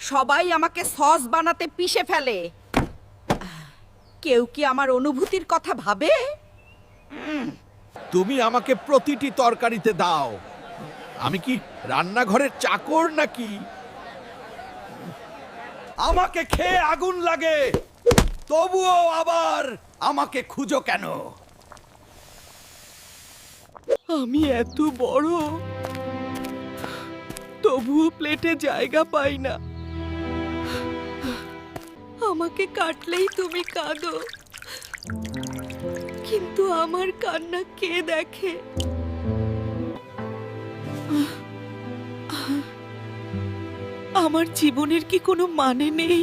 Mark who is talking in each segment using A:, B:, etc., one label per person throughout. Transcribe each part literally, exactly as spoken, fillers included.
A: সবাই আমাকে সস বানাতে পিষে ফেলে। কেউ কি আমার অনুভূতির কথা ভাবে?
B: তুমি আমাকে প্রতিটি তরকারিতে দাও। আমি কি রান্নাঘরের চাকর নাকি? আমাকে খেয়ে আগুন লাগে, তবুও আবার আমাকে খুঁজো কেন?
A: আমি এত বড়, তবুও প্লেটে জায়গা পাই না। আমাকে কাটলেই তুমি কাঁদো, কিন্তু আমার কান্না কে দেখে? আমার জীবনের কি কোনো মানে নেই?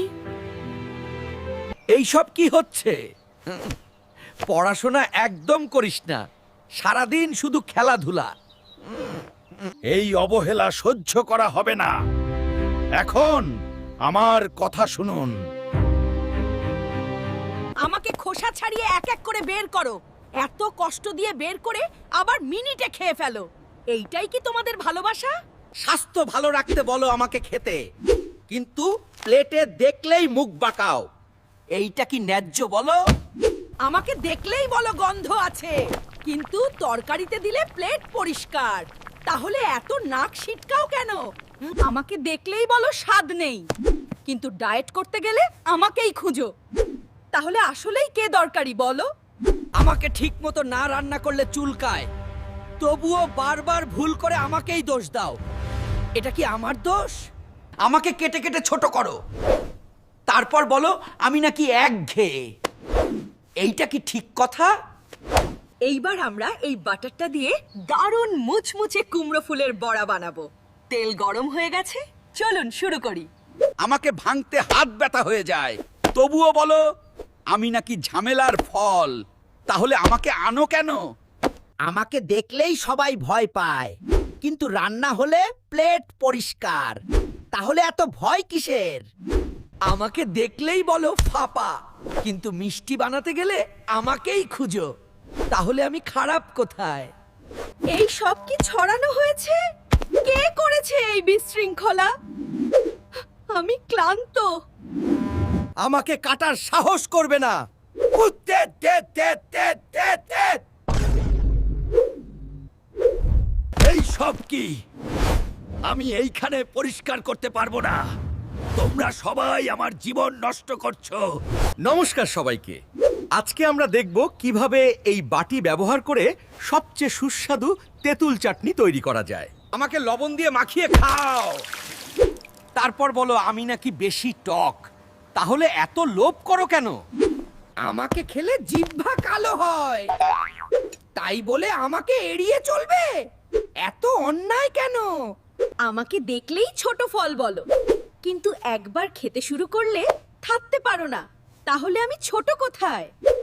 B: এইসব কি হচ্ছে? পড়াশোনা একদম করিস না, সারাদিন শুধু খেলাধুলা। এই অবহেলা সহ্য করা হবে না। এখন আমার কথা শুনুন।
A: আমাকে খোসা ছাড়িয়ে এক এক করে বের করো। এত কষ্ট দিয়ে বের করে আবার মিনিটে খেয়ে ফেলো। এইটাই কি তোমাদের ভালোবাসা?
B: স্বাস্থ্য ভালো রাখতে বলো আমাকে খেতে, কিন্তু প্লেটে দেখলেই মুখ বাঁকাও। এইটা কি ন্যায্য বলো?
A: আমাকে দেখলেই বলো গন্ধ আছে, কিন্তু তরকারিতে দিলে প্লেট পরিষ্কার। তাহলে এত নাক ছিটকাও কেন? আমাকে দেখলেই বলো স্বাদ নেই, কিন্তু ডায়েট করতে গেলে আমাকেই খুঁজো। তাহলে আসলেই কে দরকারি বলো?
B: আমাকে ঠিকমতো না রান্না করলে চুলকায়, তবুও বারবার ভুল করে আমাকেই দোষ দাও। এটা কি আমার দোষ? আমাকে কেটে কেটে ছোট করো, তারপর বলো আমি নাকি একঘেয়ে। এইটা কি ঠিক কথা?
A: এইবার আমরা এই বাটারটা দিয়ে দারুণ মুচমুচে কুমড়ো ফুলের বড়া বানাবো। তেল গরম হয়ে গেছে, চলুন শুরু করি।
B: আমাকে ভাঙতে হাত ব্যথা হয়ে যায়, তবুও বলো আমি নাকি ঝামেলার ফল। তাহলে আমাকে আনো কেন? আমাকে দেখলেই সবাই ভয় পায়, কিন্তু রান্না হলে প্লেট পরিষ্কার। তাহলে এত ভয় কিসের? আমাকে দেখলেই বলো ফাপা, কিন্তু মিষ্টি বানাতে গেলে আমাকেই খুঁজো। তাহলে আমি খারাপ কোথায়?
A: এই সব কি ছড়ানো হয়েছে? কে করেছে এই বিশৃঙ্খলা? আমি ক্লান্ত।
B: আমাকে কাটার সাহস করবে না। উত্তে তে তে তে তে তে। এই সব কি? আমি এইখানে পরিষ্কার করতে পারবো না। তোমরা সবাই আমার জীবন নষ্ট করছো। নমস্কার সবাইকে। আজকে আমরা দেখব কিভাবে এই বাটি ব্যবহার করে সবচেয়ে সুস্বাদু তেঁতুল চাটনি তৈরি করা যায়। আমাকে লবণ দিয়ে মাখিয়ে খাও, তারপর বলো আমি নাকি বেশি টক। তাহলে এত লোভ করো কেন? আমাকে খেলে জিহ্বা কালো হয়, তাই বলে আমাকে এড়িয়ে চলবে? এত অন্যায় কেন?
A: আমাকে দেখলেই ছোট ফল বলো, কিন্তু একবার খেতে শুরু করলে থাকতে পারো না। তাহলে আমি ছোট কোথায়?